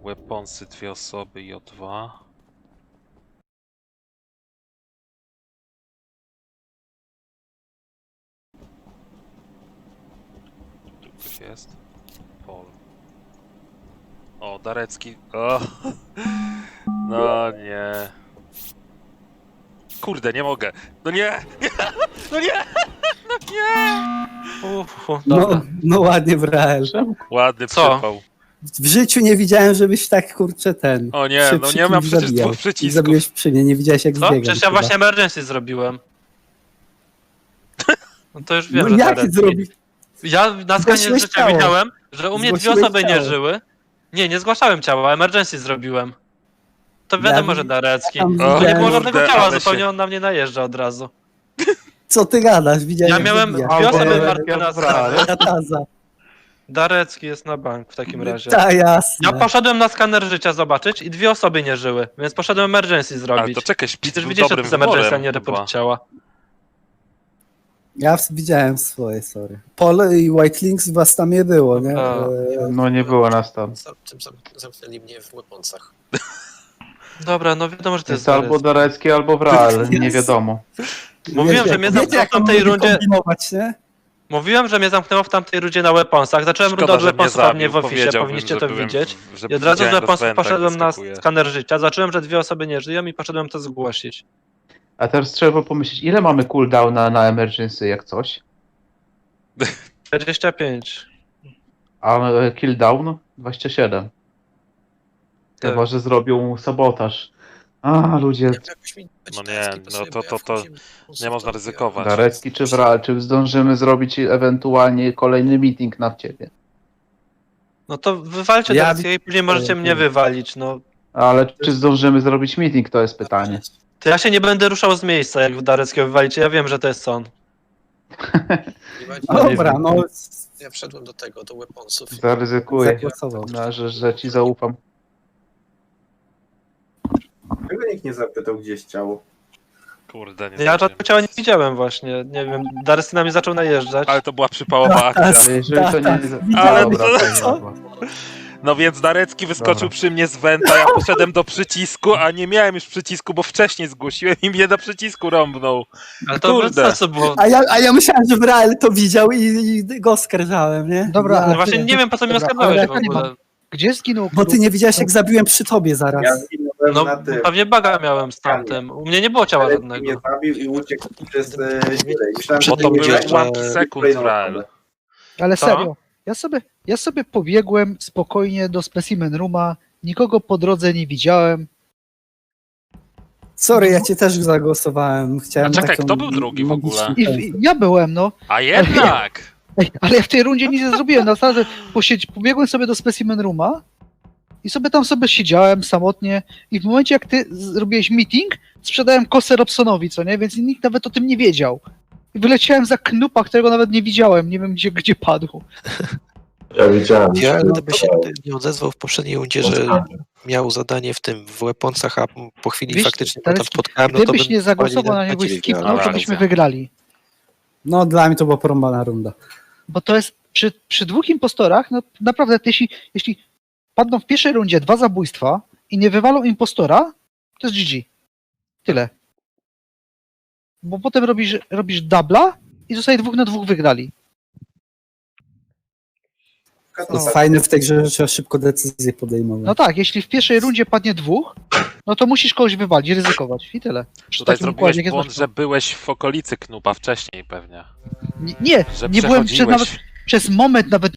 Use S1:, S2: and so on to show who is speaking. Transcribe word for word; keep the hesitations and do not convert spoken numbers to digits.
S1: Weaponsy dwie osoby i o dwa. Tu ktoś jest? Paul. O, Darecki. O. No nie. Kurde, nie mogę. No nie! Nie! No nie! No nie!
S2: Uf, uf,
S3: No,
S2: dobra.
S3: no ładnie, Brael.
S1: Ładny
S2: Co?
S1: przypał.
S3: W życiu nie widziałem, żebyś tak, kurczę, ten...
S1: O nie,
S3: się
S1: no
S3: przy
S1: nie mam
S3: kimś
S1: przecież
S3: zabijał.
S1: dwóch przycisków.
S3: I zabiłeś przy mnie, nie widziałeś jak
S2: Co?
S3: zbiegam.
S2: Przecież ja
S3: chyba.
S2: właśnie emergency zrobiłem. No to już wiem,
S3: No
S2: że
S3: jak
S2: Darecki.
S3: zrobić?
S2: Ja na skanie
S3: Zgłosiłeś
S2: życia
S3: ciało.
S2: widziałem, że u mnie dwie
S3: Zgłosiłeś
S2: osoby nie
S3: ciało.
S2: żyły. Nie, nie zgłaszałem ciała, emergency zrobiłem. To wiadomo,
S3: Ja
S2: że Darecki.
S3: tam
S2: Bo nie
S3: widziałem-
S2: było żadnego
S1: Kurde,
S2: ciała,
S1: ale
S2: zupełnie
S1: się-
S2: on na mnie najeżdża od razu.
S3: Co ty gadasz? Widziałem
S2: Ja
S3: jak
S2: miałem
S3: zabijasz.
S2: dwie
S3: Albo-
S2: osoby
S3: Albo-
S2: martwe na
S3: Dobra,
S2: skanie.
S3: Kataza.
S2: Darecki jest na bank w takim razie.
S3: Ta, jasne.
S2: Ja poszedłem na skaner życia zobaczyć i dwie osoby nie żyły, więc poszedłem emergency
S1: Ale
S2: zrobić.
S1: to czekaj, Szpic
S2: Przecież
S1: był
S2: widzisz, że to
S1: dobrym
S2: jest emergency, a
S1: wyborem
S2: nie report
S1: chyba.
S2: ciała.
S3: Ja w- widziałem swoje, sorry. Pole i White Links was tam nie było, nie?
S2: A.
S3: E,
S4: No nie było nas tam.
S5: Za- Tym zam- zamknęli mnie w Weaponsach.
S2: Dobra, no wiadomo, że to
S4: To
S2: jest
S4: jest albo
S2: Darecki.
S4: Darecki, albo Wrael, nie wiadomo.
S2: Mówiłem,
S3: wiecie,
S2: że mnie
S3: wiecie,
S2: zamknęło
S3: jak
S2: w tamtej
S3: mogli
S2: rundzie.
S3: kombinować, nie?
S2: Mówiłem, że mnie zamknęło w tamtej rundzie na weaponsach. Zacząłem rundę
S1: Szkoda,
S2: od
S1: że mnie
S2: weaponsów, a nie
S1: zabił.
S2: w oficie,
S1: Powiedziałbym,
S2: powinniście
S1: że
S2: to
S1: byłem
S2: widzieć.
S1: w- że
S2: I od razu z
S1: widziałem
S2: weaponsów
S1: rozpęd, jak
S2: poszedłem na
S1: wyskakuje.
S2: skaner życia. Zacząłem, że dwie osoby nie żyją i poszedłem to zgłosić.
S4: A teraz trzeba pomyśleć, ile mamy cooldowna na emergency jak coś?
S2: dwadzieścia pięć.
S4: A e, killdown? dwadzieścia siedem.
S2: Tak.
S4: Chyba, że zrobią sabotaż. A, ludzie,
S5: Jakoś mi
S1: No nie,
S5: Darecki
S1: no
S5: pasuje,
S1: to-
S5: bo ja
S1: to- to
S5: wchodziłem do Weaponsów,
S1: nie można
S5: to
S1: ryzykować.
S4: Darecki czy Wrael, czy zdążymy zrobić ewentualnie kolejny meeting na ciebie?
S2: No to wywalcie
S3: Ja-
S2: Dareckiego i później możecie mnie wywalić, no.
S4: Ale czy zdążymy zrobić meeting, to jest pytanie.
S2: To ja się nie będę ruszał z miejsca, jak w Dareckiego wywalicie. Ja wiem, że to jest on.
S5: Nie ma-
S3: No dobra, no
S5: Ja wszedłem do tego, do Weaponsów.
S4: Zaryzykuję,
S3: zagłosował.
S4: no, że, że ci zaufam.
S6: Dlaczego nikt nie zapytał, gdzie jest ciało?
S1: Kurde, nie
S2: Ja
S1: zdążyłem.
S2: żadnego ciała nie widziałem właśnie. Nie wiem, Darecki na mnie zaczął najeżdżać.
S1: Ale to była przypałowa akcja.
S4: Jeżeli to nie...
S3: Ale
S4: Dobra,
S1: to-
S4: to
S3: co?
S4: dobra.
S1: No więc Darecki wyskoczył
S4: Dobra.
S1: przy mnie z wenta, ja poszedłem do przycisku, a nie miałem już przycisku, bo wcześniej zgłosiłem i mnie do przycisku rąbnął.
S2: Ale to bez
S1: Kurde.
S2: sensu było.
S3: A ja, a ja myślałem, że Brael to widział i, i go oskarżałem, nie?
S7: Dobra,
S3: Ja-
S2: No właśnie nie wiem, po co mnie
S7: Dobra,
S2: oskarżałeś
S7: ale
S2: w ogóle.
S7: Gdzie zginął
S3: Bo ty
S7: Kruk?
S3: nie widziałeś, jak zabiłem przy tobie
S6: Ja
S3: zaraz.
S6: zginąłem
S2: No
S6: na tym.
S2: pewnie baga miałem z tamtym. U mnie nie było ciała
S6: Darecki mnie
S2: żadnego.
S6: zabił i uciekł przez e, dziurę. I myślałem,
S1: Bo
S6: że
S1: to
S6: nie
S1: były
S6: będzie
S1: ułamki sekund,
S6: kolejną
S1: Wrael.
S6: osobę.
S7: Ale
S2: Co?
S7: serio, ja sobie, ja sobie pobiegłem spokojnie do specimen rooma, nikogo po drodze nie widziałem.
S3: Sorry, ja cię też zagłosowałem. Chciałem
S1: A czekaj,
S3: taką
S1: kto był drugi w ogóle?
S3: magiczną-
S7: I, i ja byłem, no.
S1: A jednak!
S7: Ej, ale ja w tej rundzie nic nie zrobiłem. Na zasadzie posiedź, pobiegłem sobie do specimen rooma i sobie tam sobie siedziałem samotnie i w momencie jak ty zrobiłeś meeting, sprzedałem kosę Robsonowi, co nie? Więc nikt nawet o tym nie wiedział. I wyleciałem za Knupa, którego nawet nie widziałem. Nie wiem, gdzie, gdzie padł.
S6: Ja widziałem.
S5: Ja
S6: No
S5: gdyby
S6: to-
S5: się nie odezwał w poprzedniej rundzie, że miał zadanie w tym, w Weaponsach, a po chwili
S7: Wiesz,
S5: faktycznie go tam
S7: Darecki,
S5: spotkałem, no to
S7: Gdybyś
S5: bym
S7: nie zagłosował
S5: bardziej
S7: na niego i
S5: ciebie
S7: skipnął,
S5: wziąłem.
S7: to
S1: Dobra,
S7: byśmy
S1: racja.
S7: wygrali.
S3: No dla mnie to była porąbana runda.
S7: Bo to jest przy, przy dwóch impostorach, no naprawdę, jeśli, jeśli padną w pierwszej rundzie dwa zabójstwa i nie wywalą impostora, to jest G G. Tyle. Bo potem robisz, robisz dubla i zostaje dwóch na dwóch wygrali.
S3: To jest fajne w tej grze, że trzeba szybko decyzje podejmować.
S7: No tak, jeśli w pierwszej rundzie padnie dwóch, no to musisz kogoś wywalić, ryzykować i tyle. Przy
S1: Tutaj
S7: takim
S1: zrobiłeś
S7: układzie, jak
S1: błąd,
S7: jest
S1: że byłeś w okolicy Knupa wcześniej pewnie.
S7: Nie, nie,
S1: Że
S7: nie byłem przez,
S1: przechodziłeś.
S7: nawet, przez moment nawet